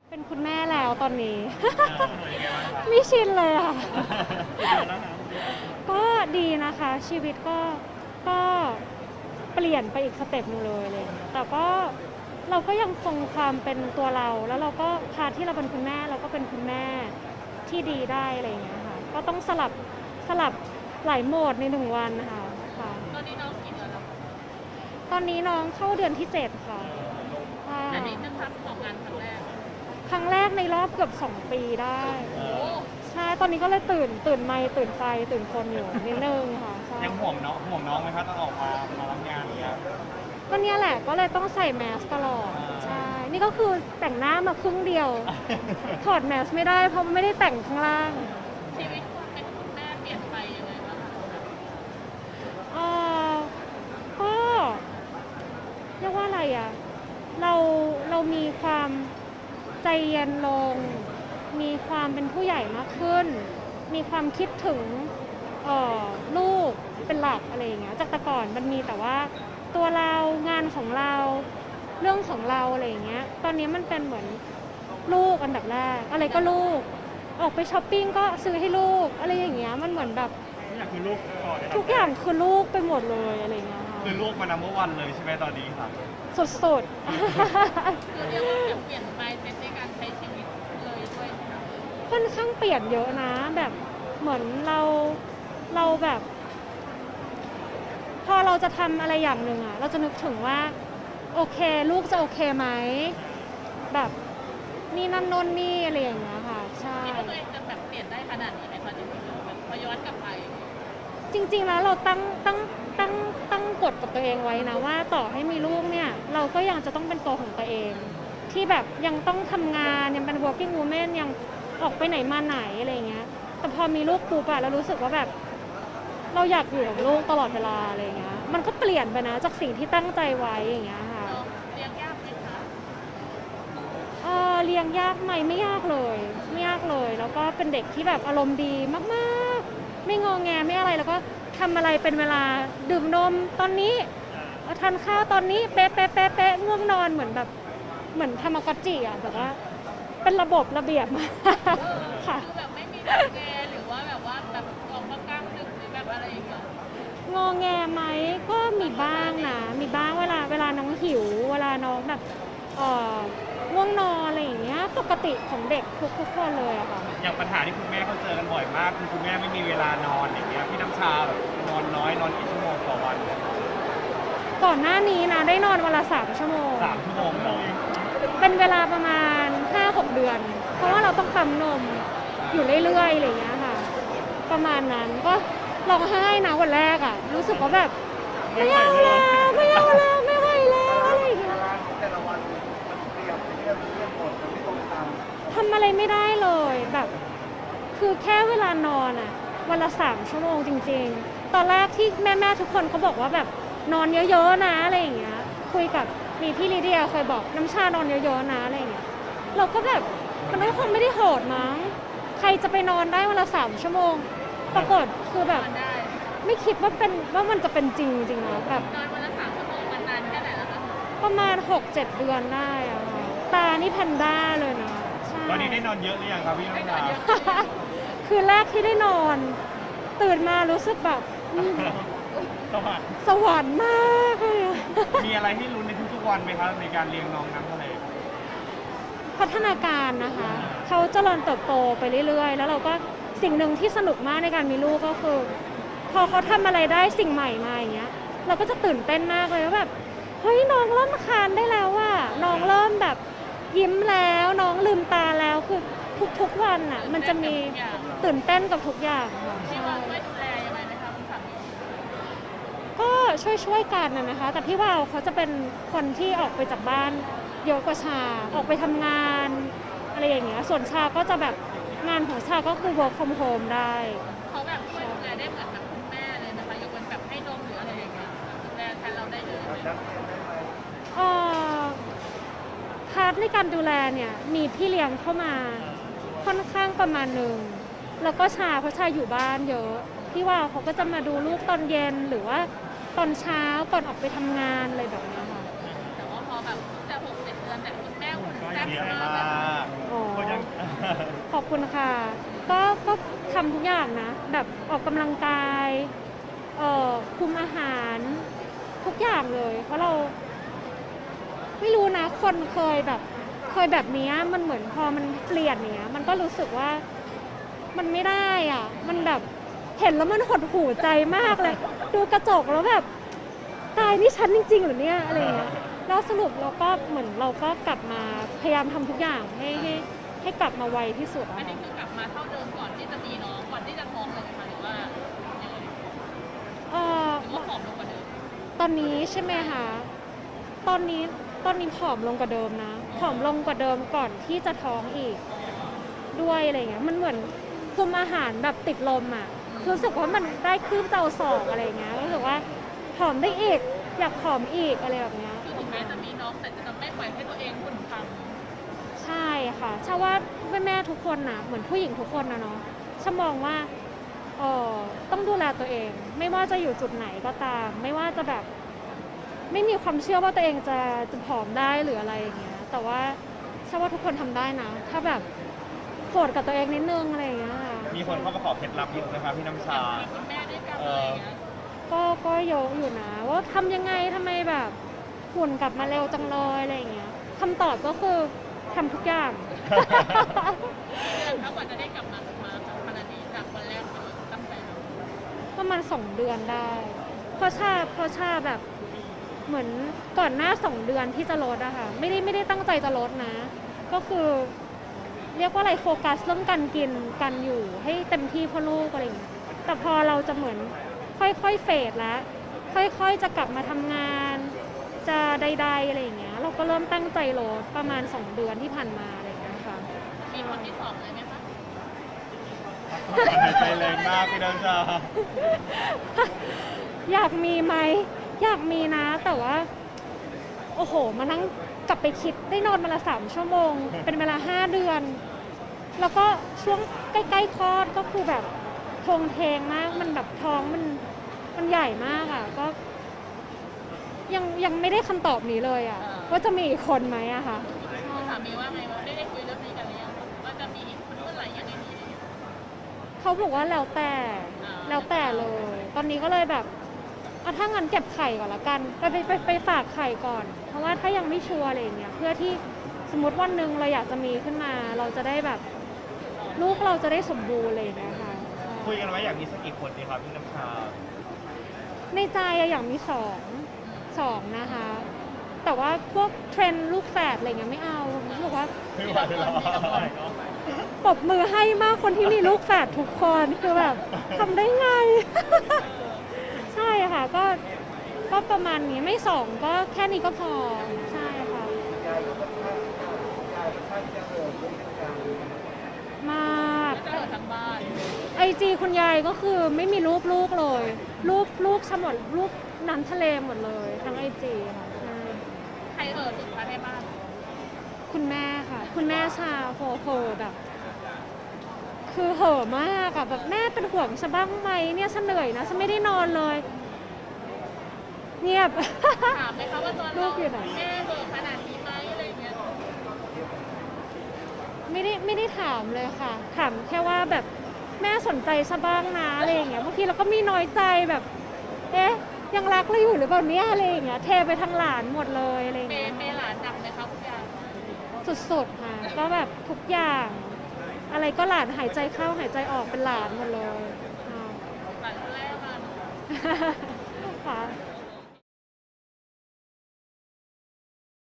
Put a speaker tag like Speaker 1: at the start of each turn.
Speaker 1: เป็นคุณแม่แล้วตอนนี้ ไม่ชินเลยค่ะ ก็ดีนะคะชีวิตก็เปลี่ยนไปอีกสเต็ปหนึงเลยอะไรอย่างเงี้ยแต่ก็เราก็ยังคงความเป็นตัวเราแล้วเราก็พาที่เราเป็นคุณแม่เราก็เป็นคุณแม่ที่ดีได้อะไรอย่างเงี้ยค่ะก็ต้องสลับหลายโหมดใน1 วันนะคะค่ะ
Speaker 2: ตอนนี้น้องกี่เดือนแล้ว
Speaker 1: ตอนนี้น้องเข้าเดือนที่7ค่ะใช่
Speaker 2: อันนี้เป็นครั้งของงานครั้งแรก
Speaker 1: ครั้งแรกในรอบเกือบ2 ปีได้
Speaker 2: โอ้
Speaker 1: ใช่ตอนนี้ก็เลยตื่นไมค์ตื่นไฟตื่นคนอยู่นิดนึงค่ะใช่
Speaker 3: ยังห่วงน้องไหมครับต้องออกมารับงานเนี่ย
Speaker 1: ก็เนี่ยแหละก็เลยต้องใส่แมสตลอดใช่นี่ก็คือแต่งหน้ามาครึ่งเดียว ถอดแมสไม่ได้เพราะไม่ได้แต่งข้างล่าง
Speaker 2: ชีวิตความเป็นคุณแม่เปลี่ยนไปยังไงบ้างคะ
Speaker 1: เอ่อก็เรียกว่าอะไรอ่ะเรามีความใจเย็นลง มีความเป็นผู้ใหญ่มากขึ้น มีความคิดถึงลูกเป็นหลักอะไรอย่างเงี้ยจากแต่ก่อนมันมีแต่ว่าตัวเรางานของเราเรื่องของเราอะไรอย่างเงี้ยตอนนี้มันเป็นเหมือนลูกอันดับแรกอะไรก็ลูกออกไปช้อปปิ้งก็ซื้อให้ลูกอะไรอย่างเงี้ยมันเหมือนแบบ
Speaker 3: นี่คือลูกก่อน
Speaker 1: ทุกอย่างคือลูกไปหมดเลยอะไรอย่างเงี้ยค่ะ
Speaker 3: คือลูกมานัมเบอร์วันเลยใช่ไหมตอนนี้ครับ
Speaker 1: สุด
Speaker 2: คือเรียกว่าเปลี่ยนไปในการใช้ชีวิตเลยด้วยใช่ไหม
Speaker 1: ๆ ค่อนข้างเปลี่ยนเยอะนะแบบเหมือนเราแบบ พอเราจะทำอะไรอย่างหนึ่งอะเราจะนึกถึงว่าโอเคลูกจะโอเคไหมแบบนี่นั่นโน่นนี่อะไรอย่างเงี้ยค่ะใช่
Speaker 2: คิดว่าตัวเองจะแบบเปลี่ยนได้ขนาดนี้ไหมคะจริงๆแบบพอย้อนกลับไป
Speaker 1: จริงๆแล้วเราตั้งกฎกับตัวเองไว้นะว่าต่อให้มีลูกเนี่ยเราก็ยังจะต้องเป็นตัวของตัวเอง ที่แบบยังต้องทำงานยังเป็น working woman ยังออกไปไหนมาไหนอะไรอย่างเงี้ยแต่พอมีลูกปุ๊บอะเรารู้สึกว่าแบบเราอยากอยู่กับลูกตลอดเวลาอะไรอย่างเงี้ยมันก็เปลี่ยนไปนะจากสิ่งที่ตั้งใจไว้อย่างเงี้ยค่ะ
Speaker 2: น้องเลี้ยงยากไหมคะ
Speaker 1: เลี้ยงยากไหมไม่ยากเลยไม่ยากเลยแล้วก็เป็นเด็กที่แบบอารมณ์ดีมากๆไม่งอแงไม่อะไรแล้วก็ทำอะไรเป็นเวลาดื่มนมตอนนี้ทานข้าวตอนนี้เป๊ะเป๊ะเป๊ะเป๊ะง่วงนอนเหมือนแบบเหมือนทามากอตจิอ่ะแบบว่าเป็นระบบระเบียบมากค่ะ
Speaker 2: คือแบบไม่มีแงหรือว่าแบบว่าแบบออกมากลางดึกหรือแบบอะไรอย่างเงี้ย
Speaker 1: งอแงไหมก็มีบ้างนะมีบ้างเวลาน้องหิวเวลาน้องแบบง่วงนอนอะไรอย่างเงี้ยปกติของเด็กทุกคนเลยอะค่ะ
Speaker 3: อย่างปัญหาที่คุณแม่เขาเจอกันบ่อยมากคือคุณแม่ไม่มีเวลานอนอย่างเงี้ยพี่น้ำชาแบบนอนน้อยนอนกี่ชั่วโมงต่อวัน
Speaker 1: ก่อนหน้านี้นะได้นอนวันละ3 ชั่วโมง
Speaker 3: 3 ชั่วโมงเลย
Speaker 1: เป็นเวลาประมาณ 5-6 เดือน เพราะว่าเราต้องปั๊มนมอยู่เรื่อยๆอะไรอย่างเงี้ยค่ะ ประมาณนั้นก็ร้องไห้นะวันแรกอ่ะ รู้สึกว่าแบบไม่เอาแล้วไม่เอาแล้วไม่ไหวแล้วอะไรอย่างเงี้ย
Speaker 4: แต่ละวันมันเปลี่ยนเรื่องหมดมันไม่ตรงตาม
Speaker 1: ทำอะไรไม่ได้เลยแบบคือแค่เวลานอนอ่ะวันละ3 ชั่วโมงจริงๆ ตอนแรกที่แม่ทุกคนเขาบอกว่าแบบนอนเยอะๆนะอะไรอย่างเงี้ยคุยกับมีพี่ลิเดียเคยบอกน้ำชานอนเยอะๆนะอะไรอย่างเงี้ยเราก็แบบมันก็คงไม่ได้โหดมั้งใครจะไปนอนได้วันละ3 ชั่วโมง ปรากฏคือแบบ
Speaker 2: นอนได้
Speaker 1: ไม่คิดว่ามันจะเป็นจริงจริงนะแบบ
Speaker 2: นอนวันละ3 ชั่วโมงมันนานแค่ไหนแล้วคะ
Speaker 1: ประมาณ 6-7 เดือนได้อะค่ะตานี่แพนด้าเลยนะใช่
Speaker 3: ตอนนี้ได้นอนเยอะหรือยังครับพี่
Speaker 2: ไม่
Speaker 3: น้ำ
Speaker 2: นอน
Speaker 3: ชา
Speaker 2: เยอะ
Speaker 1: คือแรกที่ได้นอน ตื่นมารู้สึกแบบ
Speaker 3: สวัสดี
Speaker 1: สวรรค์มากเลยอะ
Speaker 3: มีอะไรให้ลุ้นในทุกๆวันไหมครับในการเลี้ยงน้องน้ำทะเล
Speaker 1: พัฒนาการนะคะเขาเจริญเติบโตไปเรื่อยๆ แล้วเราก็สิ่งหนึ่งที่สนุกมากในการมีลูกก็คือ พอเขาทำอะไรได้สิ่งใหม่มาอย่างเงี้ยเราก็จะตื่นเต้นมากเลยว่าแบบเฮ้ยน้องเริ่มคลานได้แล้วว่ะน้องเริ่มแบบยิ้มแล้วน้องลืมตาแล้วคือทุกๆวันอ่ะมันจะมีตื่นเต้นกับทุกอย่างค่ะ
Speaker 2: พี่ว่าช่วยดูแลยังไงไหมคะคุณสามี
Speaker 1: ก็ช่วยกันนะคะ แต่พี่วาวเขาจะเป็นคนที่ออกไปจากบ้านเยอะกว่าชาออกไปทำงานอะไรอย่างเงี้ยส่วนชาก็จะแบบงานของชาก็คือ work from home ได้
Speaker 2: เขาแบบช่วยดูแลได้เหมือนแบบคุณแม่เลยนะคะยกเว้นแบบให้นมหรืออะไรอย่างเงี้ยดูแลแทนเราได้เลย
Speaker 1: เอ่อพาร์ทในการดูแลเนี่ยมีพี่เลี้ยงเข้ามาค่อนข้างประมาณหนึ่งแล้วก็ชาเพราะชาอยู่บ้านเยอะพี่วาวเขาก็จะมาดูลูกตอนเย็นหรือว่าตอนเช้าก่อนออกไปทำงานอะไรแบบเนี้ยค่ะ
Speaker 2: แต่ว่าพอแบบแต่6-7 เดือนแต่คุณแม่หุ่นแซ่บ
Speaker 3: เลี้ยง
Speaker 2: มาก
Speaker 3: มา
Speaker 2: แบบ
Speaker 3: ก
Speaker 1: อบคุณค่ะก็ทำทุกอย่างนะแบบออกกำลังกายคุมอาหารทุกอย่างเลย เพราะเราไม่รู้นะคนเคยแบบนี้มันเหมือนพอมันเปลี่ยนเนี้ยมันก็รู้สึกว่ามันไม่ได้อ่ะมันแบบเห็นแล้วมันหดหู่ใจมากเลย ดูกระจกแล้วแบบตายนี่ฉันจริงๆเหรือเนี่ยอะไรเงี้ยแล้วสรุปเราก็เหมือนเราก็กลับมาพยายามทำทุกอย่างให้กลับมาไวที่สุด
Speaker 2: อัน
Speaker 1: อะ
Speaker 2: นี้คือกลับมาเท่าเดิมก่อนที่จะมีน้องก่อนที่จะท้องเลยไหมคะหรือว่ายังไงหรือว่าผอมลงกว่าเดิม
Speaker 1: ตอนนี้ใช่ไหมคะตอนนี้ผอมลงกว่าเดิมนะผอมลงกว่าเดิมก่อนที่จะท้องอีกด้วยอะไรเงี้ยมันเหมือนคุมอาหารแบบติดลมอ่ะรู้สึกว่ามันได้คืบเตาศอกอะไรเงี้ยรู้สึกว่าผอมได้อีกอยากผอมอีกอะไรแบบเนี้ย
Speaker 2: คือถึงแม้จะมีน้องแต่จะไม่ปล่อยให้ตัวเองหุ่นพัง
Speaker 1: ใช่ค่ะชาว่าแม่ทุกคนนะเหมือนผู้หญิงทุกคนนะเนาะชามองว่าต้องดูแลตัวเอง ไม่ว่าจะอยู่จุดไหนก็ตาม ไม่ว่าจะแบบไม่มีความเชื่อว่าตัวเองจะผอมได้หรืออะไรอย่างเงี้ยแต่ว่าชาว่าทุกคนทำได้นะ ถ้าแบบโกรธกับตัวเองนิดนึงอะไรอย่างเงี้ยค่ะ
Speaker 3: มีคนเข้ามาขอเคล็ดลับเยอะนะครับพี่น้ำชา
Speaker 2: มีคุณแม่ด้วยกันอะไรอย่างเงี้ย
Speaker 1: ก็เยอะอยู่นะว่าทำยังไงทำไมแบบหุ่นกลับมาเร็วจังเลยอะไรอย่างเงี้ยคำตอบก็คือทำทุกอย่าง
Speaker 2: เดือนถ้ากว่าจะได้กลับมาขนาดนี้จากวันแรกจนตั้งแต่
Speaker 1: ประมาณ2 เดือนได้ เพราะชาแบบเหมือนก่อนหน้า2 เดือนที่จะลดอะค่ะไม่ได้ตั้งใจจะลดนะ ก็คือเรียกว่าอะไรโฟกัสเรื่องการกินกันอยู่ให้เต็มที่เพื่อลูกอะไรอย่างเงี้ยแต่พอเราจะเหมือนค่อยๆเฟดแล้วค่อยๆจะกลับมาทำงาน จะใดๆอะไรอย่างเงี้ยเราก็เริ่มตั้งใจลดประมาณ2 เดือนที่ผ่านมาอะไรอย่างเงี้ยค่ะ
Speaker 2: มีคนที่สองเลยไหมคะ
Speaker 3: หายใจแรงมากพี่น้ำชา
Speaker 1: อยากมีไหมอยากมีนะแต่ว่าโอ้โหมานั่งกลับไปคิดได้นอนมาละ3 ชั่วโมง เป็นเวลา5 เดือน แล้วก็ช่วงใกล้ๆคลอดก็คือแบบโทงเทงมากมันแบบท้องมันใหญ่มากอ่ะก็ยังไม่ได้คำตอบนี้เลยอ่ะว่าจะมีอีกคนไหมอะค่ะ
Speaker 2: คุณสามีว่าไงว่าได้คุยเรื่องนี้กันหรือยังว่าจะมีอีกคนเมื่อไหร่ยังไงดี
Speaker 1: เขาบอกว่าแล้วแต่เลย ตอนนี้ก็เลยแบบถ้างั้นเก็บไข่ก่อนละกันไปฝากไข่ก่อน เพราะว่าถ้ายังไม่ชัวร์อะไรอย่างเงี้ยเพื่อที่สมมติวันหนึ่งเราอยากจะมีขึ้นมา เราจะได้แบบลูกเราจะได้สมบูรณ์อะไรอย่างเงี้ยค่ะ
Speaker 3: คุยกันไว้อยากมีสักกี่คนดีครับพี่น้ำชา
Speaker 1: ในใจอะอยากมีสองนะคะ แต่ว่าพวกเทรนด์ลูกแฝดอะไรเงี้ยไม่เอารู้สึกว่า
Speaker 3: ไม่ไหวหรอก
Speaker 1: ปรบมือให้มากคนที่มีลูกแฝดทุกคนคือแบบทำได้ไง ใช่ค่ะก็ประมาณนี้ไม่2ก็แค่นี้ก็พอใช่ค่ะ
Speaker 4: ยายก็ค่อนข้างจะเหินด้วยกัน
Speaker 1: มาก
Speaker 2: จะเกิดทั้งบ้าน
Speaker 1: ไอจีคุณยายก็คือไม่มีรูปลูกเลยลูกหมดรูปน้ำทะเลหมดเลยทั้งไอจีค่ะใช่
Speaker 2: ใครสุดท้ายในบ้าน
Speaker 1: คุณแม่ค่ะ คุณแม่ชาโฟแบบ คือเห่อะมากอะแบบแม่เป็นห่วงฉันบ้างไหมเนี่ยฉันเหนื่อยนะฉันไม่ได้นอนเลย เงียบ
Speaker 2: ถามไหมคะว่าตอน
Speaker 1: ลู
Speaker 2: เรา
Speaker 1: กอยู่ไหน
Speaker 2: แม่เบิกขนาดนี้ไหมอะไรอย่างเงี้ย
Speaker 1: ไม่ได้ถามเลยค่ะ ถามแค่ว่าแบบแม่สนใจซะบ้างนะอะไรอย่างเงี้ยบางทีเราก็มีน้อยใจแบบ เอ๊ะยังรักเราอยู่หรือเปล่าเนี่ยอะไรอย่างเงี้ยเทไปทางหลานหมดเลยอะไรอย่าง
Speaker 2: เป
Speaker 1: เงี้ย
Speaker 2: ย์หลานหนักไหมคะคุณยาย
Speaker 1: สุดๆค่ะก็แบบทุกอย่าง อะไรก็หลานหายใจเข้าหายใจออกเป็นหลานหมดเลยอ่า
Speaker 2: หลานคนแรกมา
Speaker 1: ค่ะ